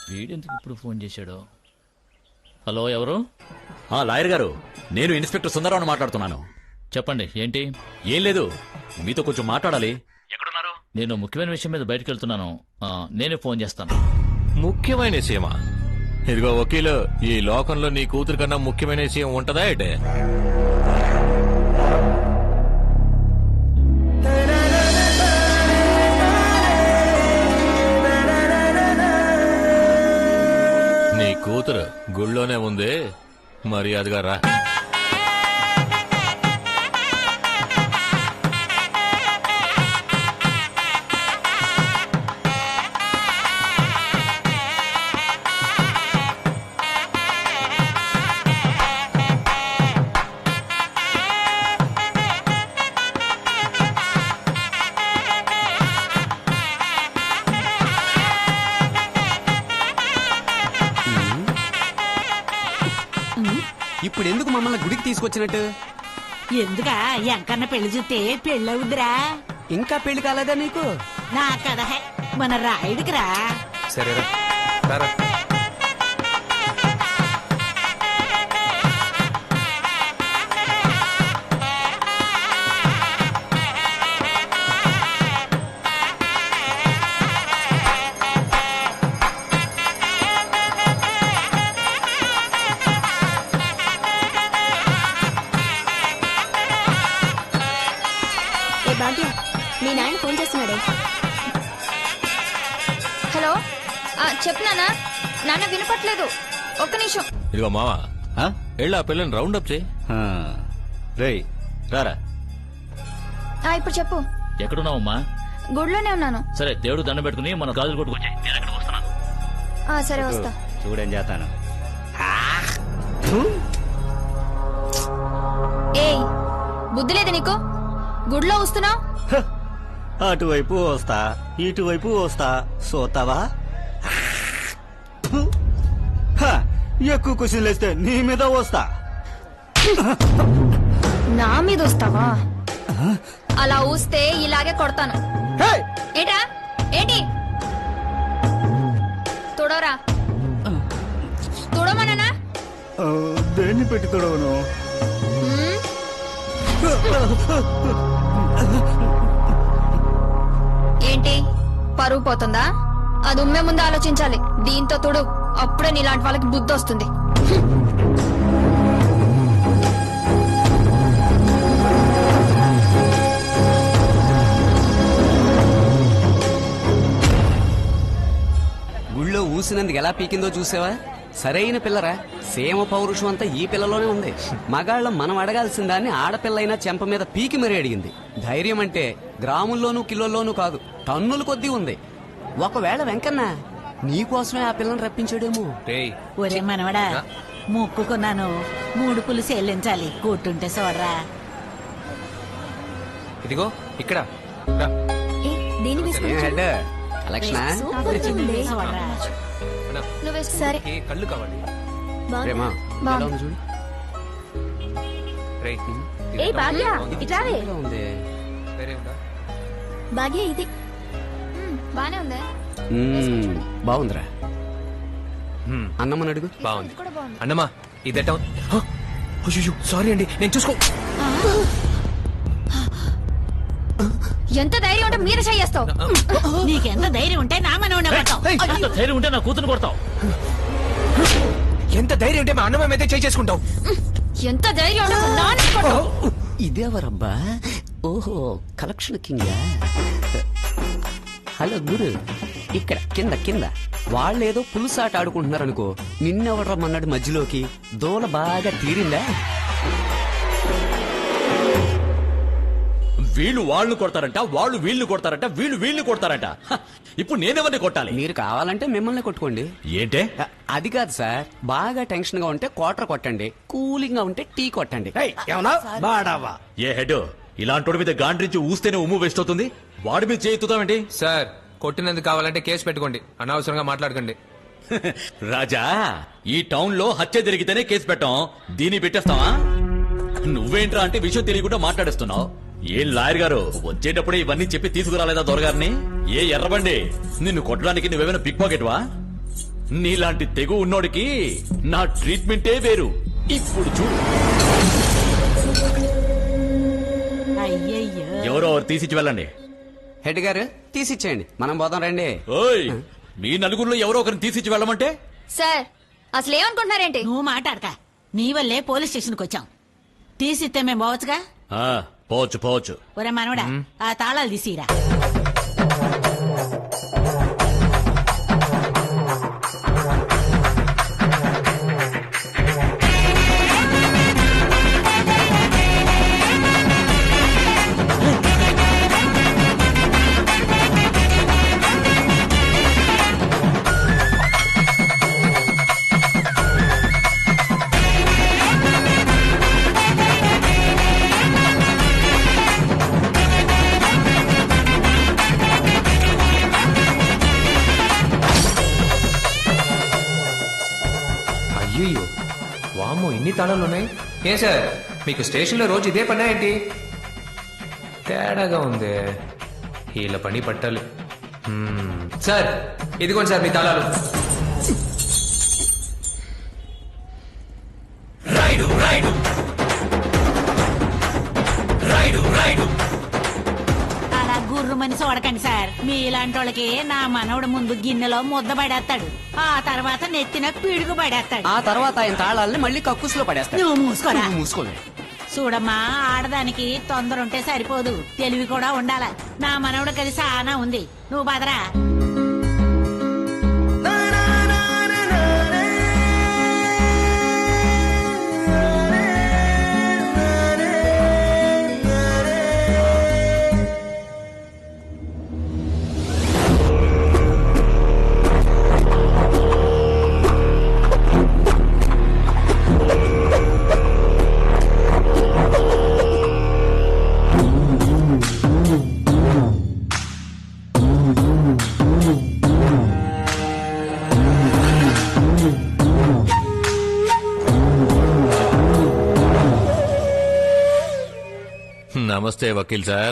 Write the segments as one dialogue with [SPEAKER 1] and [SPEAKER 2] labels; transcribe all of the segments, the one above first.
[SPEAKER 1] వీడెందుకు ఇప్పుడు ఫోన్ చేశాడు? హలో, ఎవరు?
[SPEAKER 2] లాయర్ గారు, నేను ఇన్స్పెక్టర్ సుందరరావు మాట్లాడుతున్నాను.
[SPEAKER 1] చెప్పండి, ఏంటి?
[SPEAKER 2] ఏం లేదు, మీతో కొంచెం మాట్లాడాలి. ఎక్కడున్నారు?
[SPEAKER 1] నేను ముఖ్యమైన విషయం మీద బయటకు వెళ్తున్నాను. నేనే ఫోన్ చేస్తాను.
[SPEAKER 3] ముఖ్యమైన విషయమా? ఇదిగో వకీలు, ఈ లోకంలో నీ కూతురు కన్నా ముఖ్యమైన విషయం ఉంటదా ఏంటే? నీ కూతురు గుళ్ళోనే ఉంది, మర్యాదగా రా.
[SPEAKER 4] ఇప్పుడు ఎందుకు మమ్మల్ని గుడికి తీసుకొచ్చినట్టు?
[SPEAKER 5] ఎందుకా ఎంకన్న పెళ్లి చూస్తే పెళ్ళవుద్దిరా.
[SPEAKER 4] ఇంకా పెళ్లి కాలేదా నీకు?
[SPEAKER 5] నా కథ మన రాయుడికిరా.
[SPEAKER 6] సరేరా.
[SPEAKER 7] మీ నాయన ఫోన్ చేస్తున్నాడే. హలో, చెప్పు నాన్న. నాన్న వినపట్లేదు, ఒక్క నిమిషం.
[SPEAKER 3] ఇదిగో మావా, వెళ్ళి ఆ పిల్లని రౌండ్ అప్ చేయి.
[SPEAKER 2] రేయ్ రారా.
[SPEAKER 7] ఇప్పుడు చెప్పు.
[SPEAKER 1] ఎక్కడున్నావమ్మా?
[SPEAKER 7] గుడిలోనే ఉన్నాను.
[SPEAKER 1] సరే, దేవుడు దండం పెట్టుకుని మన గాజులు కొట్టుకొచ్చాయి. నేను ఎక్కడికి వస్తున్నాను.
[SPEAKER 7] సరే, వస్తా.
[SPEAKER 4] చూడని చేస్తాను.
[SPEAKER 7] ఏయ్, బుద్ధి లేదు నీకు? గుడిలో వస్తున్నావు.
[SPEAKER 4] అటువైపు వస్తా, ఇటువైపు వస్తా, సోతావా? ఎక్కువ క్వశ్చన్లు వేస్తే నీ మీద వస్తా.
[SPEAKER 7] నా మీద వస్తావా? అలా ఊస్తే ఇలాగే కొడతాను. ఏటా ఏంటి? తుడవరా. తుడవమన్నానా?
[SPEAKER 4] దేన్ని పెట్టి తొడవను?
[SPEAKER 7] ఏంటి, పరువు పోతుందా? అది ఉమ్మే ముందు ఆలోచించాలి. దీంతో తుడు, అప్పుడే నీలాంటి వాళ్ళకి బుద్ధి వస్తుంది.
[SPEAKER 4] గుళ్ళో ఊసినందుకు ఎలా పీకిందో చూసావా? సరైన పిల్లరా. సేమ పౌరుషం అంతా ఈ పిల్లలోనే ఉంది. మగాళ్ళం మనం అడగాల్సిన దాన్ని ఆడపిల్లైనా చెంప మీద పీకి మరీ అడిగింది. ధైర్యం అంటే గ్రాముల్లోనూ కిలోల్లోనూ కాదు, టన్నుల కొద్దీ ఉంది. ఒకవేళ వెంకన్న నీకోసమే ఆ పిల్లని రప్పించాడేమో.
[SPEAKER 5] ఒరే మనవడా, మొక్కుకున్నాను 3 పులుసు చెల్లించాలి. కూర్టుంటే చూడరా.
[SPEAKER 6] ఇదిగో ఇక్కడ రా.
[SPEAKER 4] కలెక్షనా?
[SPEAKER 5] చూడరా.
[SPEAKER 7] సరే,
[SPEAKER 6] కళ్ళు కావాలి.
[SPEAKER 4] ప్రేమ, ఎలా ఉంది చూడు.
[SPEAKER 6] రేయ్,
[SPEAKER 7] ఏయ్ భాగ్య, ఇట్లావే.
[SPEAKER 4] ఎలా ఉంది?
[SPEAKER 6] వేరే ఉందా?
[SPEAKER 7] భాగ్య ఇది బానే ఉందా?
[SPEAKER 4] బాగుందిరా. అన్నమ్మని అడుగు.
[SPEAKER 6] బాగుంది. అన్నమా, ఇదెట్టా? సారీ అండి, నేను చూసుకో.
[SPEAKER 7] ఎంత ధైర్యం ఉంటే మీరు చేస్తావు?
[SPEAKER 5] నీకెంత ధైర్యం ఉంటే నా మనవడిని కొడతావు?
[SPEAKER 1] ఎంత ధైర్యం ఉంటే నా కూతురు కొడతావు?
[SPEAKER 6] ఎంత ధైర్యం ఉంటే మా అన్నమా మీద చేసుకుంటావు?
[SPEAKER 7] ఎంత ధైర్యం ఉంటే మా నాన్నని కొడతావు?
[SPEAKER 4] ఇదేవరబ్బా? ఓహో, కలెక్షన్ కింద. హలో గురు, ఇక్కడ కింద కింద. వాళ్ళేదో పులుసాట ఆడుకుంటున్నారనుకో, నిన్నెవడరమ్మన్నాడు మధ్యలోకి? దోల బాగా తీరిందా?
[SPEAKER 2] వీళ్ళు వాళ్ళు కొడతారంట, వాళ్ళు వీళ్ళు కొడతారంట, వీళ్ళు వీళ్ళు కొడతారంట. ఇప్పుడు నేనెవరిని కొట్టాలి?
[SPEAKER 4] మీరు కావాలంటే మిమ్మల్ని కొట్టుకోండి.
[SPEAKER 2] ఏంటే?
[SPEAKER 4] అది కాదు సార్, బాగా టెన్షన్ గా ఉంటే క్వార్టర్ కొట్టండి, కూలింగ్ గా ఉంటే టీ కొట్టండి.
[SPEAKER 2] ఏ హెడ్, ఇలాంటి మీద గాండ్రించి ఊస్తేనే ఉమ్ము వేస్ట్ అవుతుంది. వాడి మీద చేయిద్దామేంటి?
[SPEAKER 6] సార్, కొట్టినందుకు కావాలంటే కేసు పెట్టుకోండి, అనవసరంగా మాట్లాడకండి.
[SPEAKER 2] రాజా, ఈ టౌన్ లో హత్య జరిగితేనే కేసు పెట్టాం, దీన్ని పెట్టేస్తావా? నువ్వేంట్రా అంటే విషయం తెలియకుండా మాట్లాడేస్తున్నావు. ఏం లాయర్ గారు, వచ్చేటప్పుడే ఇవన్నీ చెప్పి తీసుకురాలేదా దొరగారిని? ఏ ఎర్రబండి, నిన్ను కొట్టడానికి నువ్వేమైనా పిక్ పాకెట్ వా? నీలాంటి తెగు ఉన్నోడికి నా ట్రీట్మెంటే వేరు. ఇప్పుడు చూడు.
[SPEAKER 5] అయ్యయ్యో
[SPEAKER 2] ఎవరో తీసిచ్చి వెళ్ళండి.
[SPEAKER 4] హెడ్ గారు తీసిచ్చేయండి, మనం పోదాం రండి.
[SPEAKER 2] ఓయ్, మీ నలుగురిలో ఎవరో ఒకరిని తీసిచ్చి వెళ్ళమంటే?
[SPEAKER 7] సార్ అసలు ఏమనుకుంటున్నారేంటి?
[SPEAKER 5] నువ్వు మాట్లాడక, నీ వల్లే పోలీస్ స్టేషన్కి వచ్చాం. తీసిస్తే మేము పోవచ్చుగా.
[SPEAKER 2] పోవచ్చు పోవచ్చు.
[SPEAKER 5] ఒరే మనవడా, ఆ తాళాలు తీసిరా.
[SPEAKER 6] అయ్యో వామ్మో, ఇన్ని తాళాలు ఉన్నాయి. ఏ సార్, మీకు స్టేషన్లో రోజు ఇదే పనా ఏంటి? తేడాగా ఉంది. వీళ్ళ పని పట్టాలి. సార్ ఇదిగోండి సార్ మీ తాళాలు.
[SPEAKER 5] అలా గుర్రు మనిషి చూడకండి సార్. మీలాంటి వాళ్ళకి నా మనవడు ముందు గిన్నెలో ముద్ద పడేస్తాడు, ఆ తర్వాత నెత్తిన పిడుగు పడేస్తాడు,
[SPEAKER 4] ఆ తర్వాత ఆయన తాళాలని మళ్ళీ కక్కుసులో పడేస్తాడు.
[SPEAKER 5] నువ్వు మూసుకోరా.
[SPEAKER 4] మూసుకోలే.
[SPEAKER 5] చూడమ్మా, ఆడదానికి తొందర ఉంటే సరిపోదు, తెలివి కూడా ఉండాల. నా మనవడికి అది సానా ఉంది. నువ్వు బదరా.
[SPEAKER 3] నమస్తే వకీల్ సార్.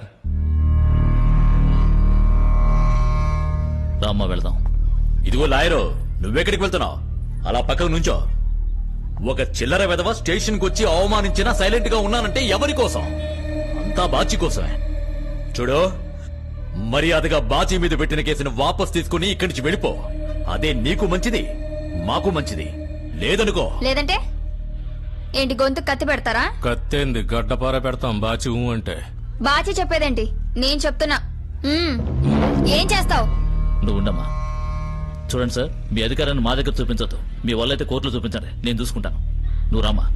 [SPEAKER 2] రామ్మ వెళ్దాం. ఇదిగో లాయరు, నువ్వెక్కడికి వెళ్తున్నావు? అలా పక్కకు నుంచో. ఒక చిల్లర వెధవ స్టేషన్ కు వచ్చి అవమానించినా సైలెంట్ గా ఉన్నానంటే ఎవరి కోసం? అంతా బాచి కోసమే. చూడు, మర్యాదగా బాచి మీద పెట్టిన కేసును వాపస్ తీసుకుని ఇక్కడి నుంచి వెళ్ళిపో. అదే నీకు మంచిది, మాకు మంచిది. లేదనుకో.
[SPEAKER 7] లేదంటే ఏంటి, గొంతు కత్తి పెడతారా?
[SPEAKER 3] కత్తేంది, గడ్డపార పెడతాం బాచి అంటే.
[SPEAKER 7] బాచి చెప్పేదేంటి? నేను చెప్తున్నా. ఏం చేస్తావు?
[SPEAKER 1] నువ్వు ఉండమ్మా. చూడండి సార్, మీ అధికారాన్ని మా దగ్గర చూపించొద్దు. మీ వల్ల అయితే కోర్టులో చూపించండి, నేను చూసుకుంటాను. నువ్వు రామ్మా.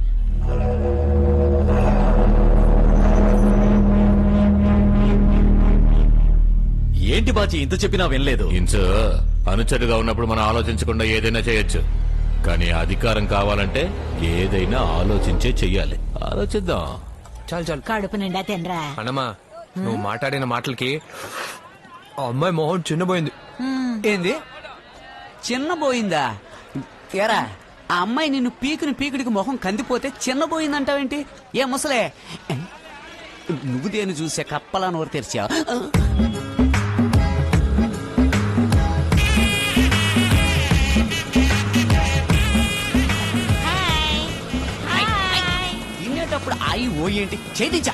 [SPEAKER 2] ఏంటి బాచి ఇంత చెప్పినా వినలేదు?
[SPEAKER 3] ఇంచు అనుచరుగా ఉన్నప్పుడు మనం ఆలోచించకుండా ఏదైనా చేయొచ్చు, కానీ అధికారం కావాలంటే ఏదైనా ఆలోచించే చెయ్యాలి. ఆలోచిద్దాం.
[SPEAKER 6] చాలు చాలు.
[SPEAKER 5] కడుపు నిండా తినరా.
[SPEAKER 6] అన్నమ్మా, నువ్వు మాట్లాడిన మాటలకి ఆ అమ్మాయి మొహం చిన్నపోయింది.
[SPEAKER 4] ఏంది చిన్నబోయిందా? ఎరా, ఆ అమ్మాయి నిన్ను పీకుడికి మొహం కందిపోతే చిన్నబోయిందంటావేంటి? ఏ ముసలే, నువ్వు దేని చూసే కప్పలా నోరు తెరిచావు? తినేటప్పుడు ఆయి ఓ ఏంటి చేయించా.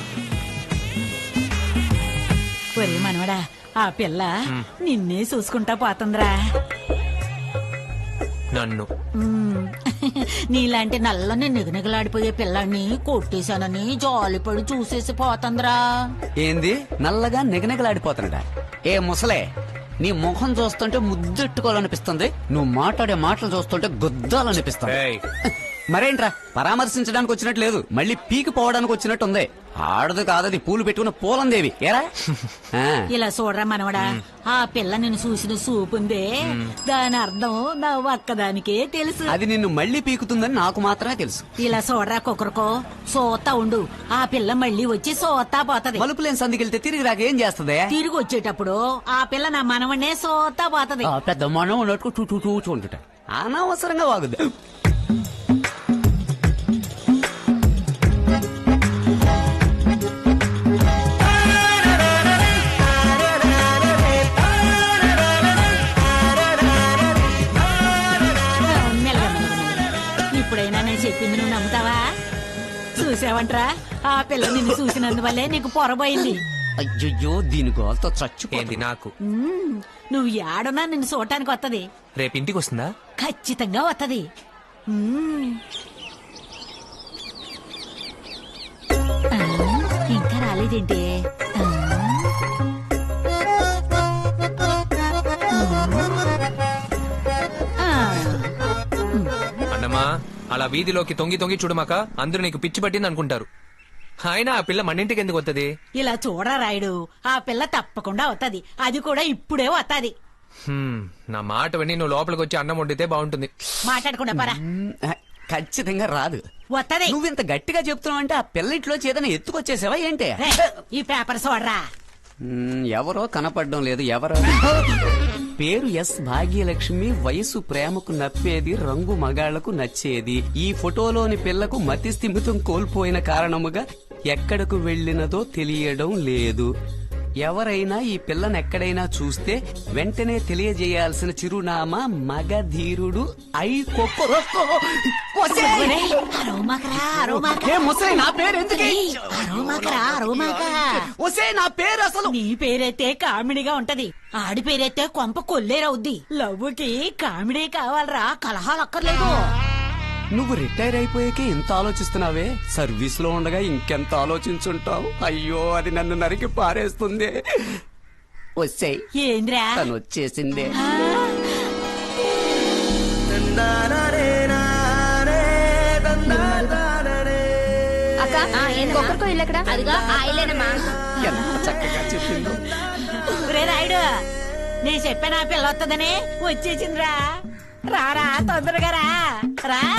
[SPEAKER 5] ఒరే మనవడా, ఆ పిల్ల నిన్నే చూసుకుంటా పోతుందిరా.
[SPEAKER 6] నన్ను
[SPEAKER 5] నీలాంటి నల్లని నిగనిగలాడిపోయే పిల్లాన్ని కొట్టేశానని జాలిపడి చూసేసి పోతుందిరా.
[SPEAKER 4] ఏంది నల్లగా నిగనిగలాడిపోతున్నాడా? ఏ ముసలే, నీ ముఖం చూస్తుంటే ముద్దెట్టుకోవాలనిపిస్తుంది, నువ్వు మాట్లాడే మాటలు చూస్తుంటే గుద్దాలనిపిస్తుంది.
[SPEAKER 6] ఏయ్,
[SPEAKER 4] మరేంట్రా, పరామర్శించడానికి వచ్చినట్టు లేదు, మళ్ళీ పీకి పోవడానికి వచ్చినట్టుంది. ఆడదు కాదది పూలు పెట్టుకున్న పూలందేవి. ఏరా ఆ.
[SPEAKER 5] ఇలా చూడరా మనవడా, ఆ పిల్ల నిన్ను చూసిన చూపుందే, దాని అర్థం నా ఒక్కదానికే తెలుసు.
[SPEAKER 4] అది నిన్ను మళ్ళీ పీకుతుందని నాకు మాత్రమే తెలుసు.
[SPEAKER 5] ఇలా చూడరా కుక్కరుకో, సోతా ఉండు, ఆ పిల్ల మళ్ళీ వచ్చి సోతా పోతది.
[SPEAKER 4] మలుపులేని సందికెళ్తే తిరిగి రాకేం చేస్తుంది?
[SPEAKER 5] తిరిగి వచ్చేటప్పుడు ఆ పిల్ల నా మనవనే సోతా పోతది.
[SPEAKER 4] పెద్ద మనం ఉన్నట్టు చూచుంటుట అనవసరంగా వాగుద్ది.
[SPEAKER 5] చూసావంట్రా ఆ పిల్ల నిన్ను చూసినందువల్లే నీకు పొరబోయింది.
[SPEAKER 4] అయ్యయ్యో దీని గోల్తో చచ్చు.
[SPEAKER 6] ఏంది నాకు
[SPEAKER 5] నువ్వు ఏడున్నా నిన్ను చూడటానికి వత్తది.
[SPEAKER 6] రేపు ఇంటికి వస్తుందా?
[SPEAKER 5] ఖచ్చితంగా వత్తది. ఆ, ఇంకా రాలేదేంటి?
[SPEAKER 6] అన్నమా అలా వీధిలోకి తొంగి తొంగి చూడమాక, అందరూ నీకు పిచ్చి పట్టింది అనుకుంటారు. అయినా ఆ పిల్ల మన ఇంటికి ఎందుకు వస్తుంది?
[SPEAKER 5] ఇలా చూడరా రాయుడు, ఆ పిల్ల తప్పకుండా వత్తది. అది కూడా ఇప్పుడే వత్తది.
[SPEAKER 6] నా మాట విని నువ్వు లోపలికి వచ్చి అన్నం వండితే బాగుంటుంది.
[SPEAKER 5] మాట్లాడకుండా పరా.
[SPEAKER 4] ఖచ్చితంగా రాదు.
[SPEAKER 5] వత్తది.
[SPEAKER 4] నువ్వింత గట్టిగా చెప్తున్నావు అంటే ఆ పిల్ల ఇంట్లో చేతన ఎత్తుకొచ్చేసావా ఏంటి?
[SPEAKER 5] రే, ఈ పేపర్ చూడరా.
[SPEAKER 4] ఎవరో కనపడడం లేదు. ఎవరో పేరు ఎస్ భాగ్యలక్ష్మి, వయసు ప్రేమకు నప్పేది, రంగు మగాళ్లకు నచ్చేది. ఈ ఫోటోలోని పిల్లకు మతి స్థిమితం కోల్పోయిన కారణముగా ఎక్కడకు వెళ్ళినదో తెలియడం లేదు. ఎవరైనా ఈ పిల్లను ఎక్కడైనా చూస్తే వెంటనే తెలియజేయాల్సిన చిరునామా మగధీరుడు
[SPEAKER 5] ఒరేయ్, అరవమాకరా, అరవమాక.
[SPEAKER 4] నా పేరు ఎందుకు?
[SPEAKER 5] ఏయ్, అరవమాకరా, అరవమాక.
[SPEAKER 4] నా పేరు అసలు
[SPEAKER 5] నీ పేరైతే కామెడీగా ఉంటది, ఆడి పేరైతే కొంప కొల్లేరవుద్ది. లవ్వుకి కామెడీ కావాలరా, కలహాలు అక్కర్లేదు.
[SPEAKER 4] నువ్వు రిటైర్ అయిపోయాకే ఇంత ఆలోచిస్తున్నావే, సర్వీస్ లో ఉండగా ఇంకెంత ఆలోచించుంటావు. అయ్యో అది నన్ను నరికి పారేస్తుంది. వచ్చేయ్,
[SPEAKER 5] ఏంద్రా?
[SPEAKER 4] తను వచ్చేసిందే.
[SPEAKER 5] ఆ,
[SPEAKER 7] అక్క ఒక్కరికో ఇల్లు ఎక్కడ? అదిగా ఆయిలేనమ్మా.
[SPEAKER 4] ఎంత చక్కగా చెప్పిందో.
[SPEAKER 5] ఒరే రాయుడు, నేను చెప్పాను ఆ పిల్ల వస్తుందని. వచ్చేసిందిరా. రారా, తొందరగా రా.